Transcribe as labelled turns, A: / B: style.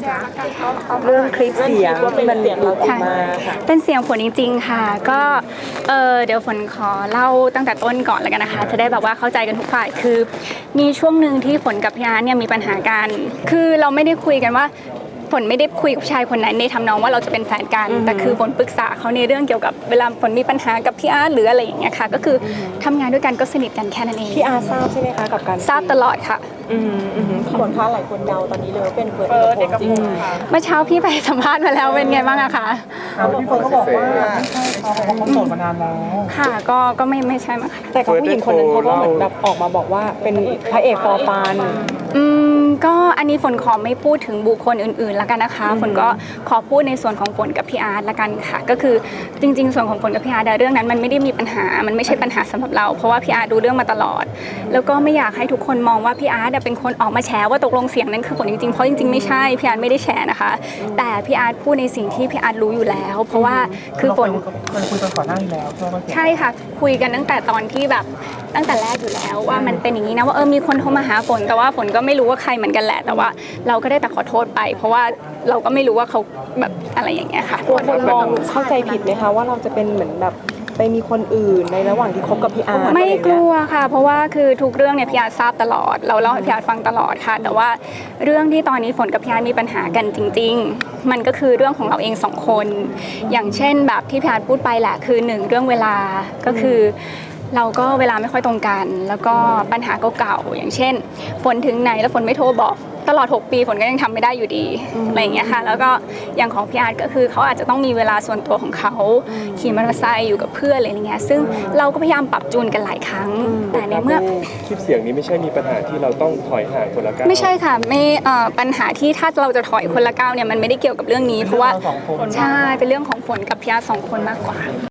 A: คะ
B: เรื่องคลิปเสียงที่มันหลุดออกมาค่ะ
A: เป็นเสียงฝนจริงๆค่ะก็เดี๋ยวฝนขอเล่าตั้งแต่ต้นก่อนแล้วกันนะคะจะได้แบบว่าเข้าใจกันทุกฝ่ายคือมีช่วงหนึ่งที่ฝนกับพี่อาร์ตเนี่ยมีปัญหากันคือเราไม่ได้คุยกันว่าฝนไม่ได้คุยกับชายคนไหนในทำนองว่าเราจะเป็นแฟนกันแต่คือฝนปรึกษาเขาในเรื่องเกี่ยวกับเวลาฝนมีปัญหากับพี่อาร์ตหรืออะไรอย่างเงี้ยค่ะก็คือทำงานด้วยกันก็สนิทกันแค่นั้นเอง
B: พี่อาร์ทราบใช่ไหมคะกับการ
A: ทราบตลอดค่ะ
B: ฝนคะหลายคนเดาตอนนี้เลยว่าเป็นเฟิร์สเอกพล
A: เมื่อเช้าพี่ไปสัมภาษณ์มาแล้วเป็นไงบ้างอะคะ
C: พี่เฟิร์นก็บอกว่าไม่ใช่เขาโสดมานานแล้ว
A: ค่ะก็ไม่ใช่มั้งค่ะ
B: แต่กับผู้หญิงคนนั้นเขาก็เหมือนแบบออกมาบอกว่าเป็นพระเอกฟอร์ฟาน
A: ก็อันนี้ฝนขอไม่พูดถึงบุคคลอื่นๆแล้วกันนะคะฝนก็ขอพูดในส่วนของฝนกับพี่อาร์ตละกันค่ะก็คือจริงๆส่วนของฝนกับพี่อาร์ตเรื่องนั้นมันไม่ได้มีปัญหามันไม่ใช่ปัญหาสำหรับเราเพราะว่าพี่อาร์ตดูเรื่องมาตลอดแล้วก็ไม่อยากให้ทุกคนมองว่าพี่อาร์ตเป็นคนออกมาแฉว่าตกลงเสียงนั้นคือฝนจริงๆเพราะจริงๆไม่ใช่พี่อาร์ตไม่ได้แฉนะคะแต่พี่อาร์ตพูดในสิ่งที่พี่อาร์ตรู้อยู่แล้วเพราะว่าคือฝน
C: เคยคุยกันก่อนหน้านี้แล้ว
A: ใช่ค่ะคุยกันตั้งแต่ตอนที่แบบตั้งแต่แรกอยู่แล้วว่ามันเป็นอย่างนี้นะว่ามีคนโทรมาหาฝนแต่ว่าฝนก็ไม่รู้ว่าใครเหมือนกันแหละแต่ว่าเราก็ได้แต่ขอโทษไปเพราะว่าเราก็ไม่รู้ว่าเขาแบบอะไรอย่างเงี้ยค่ะ
B: คนมองเข้าใจผิดไหมคะว่าเราจะเป็นเหมือนแบบไปมีคนอื่นในระหว่างที่คบกับพี่อาร์ต
A: ไม่กลัวค่ะเพราะว่าคือทุกเรื่องเนี่ยพี่อาร์ตทราบตลอดเราเล่าให้พี่อาร์ตฟังตลอดค่ะแต่ว่าเรื่องที่ตอนนี้ฝนกับพี่อาร์ตมีปัญหากันจริงๆมันก็คือเรื่องของเราเองสองคนอย่างเช่นแบบที่พี่อาร์ตพูดไปแหละคือหนึ่งเรื่องเวลาก็คือเราก็เวลาไม่ค่อยตรงกันแล้วก็ปัญหาเก่าๆอย่างเช่นฝนถึงไหนแล้วฝนไม่โทรบอกตลอด6ปีฝนก็ยังทำไม่ได้อยู่ดีอะไรอย่างเงี้ยค่ะแล้วก็อย่างของพี่อาร์ตก็คือเขาอาจจะต้องมีเวลาส่วนตัวของเขาขี่มอเตอร์ไซค์อยู่กับเพื่อนอะไรอย่างเงี้ยซึ่งเราก็พยายามปรับจูนกันหลายครั้งแต่ในเมื่อ
D: คลิปเสียงนี้ไม่ใช่มีปัญหาที่เราต้องถอยห่างคนละก้าว
A: ไม่ใช่ค่ะไม่ปัญหาที่ถ้าเราจะถอยคนละก้าวเนี่ยมันไม่ได้เกี่ยวกับเรื่องนี้เพราะว่าใช่เป็นเรื่องของฝนกับพี่อาร์ต2 คนมากกว่า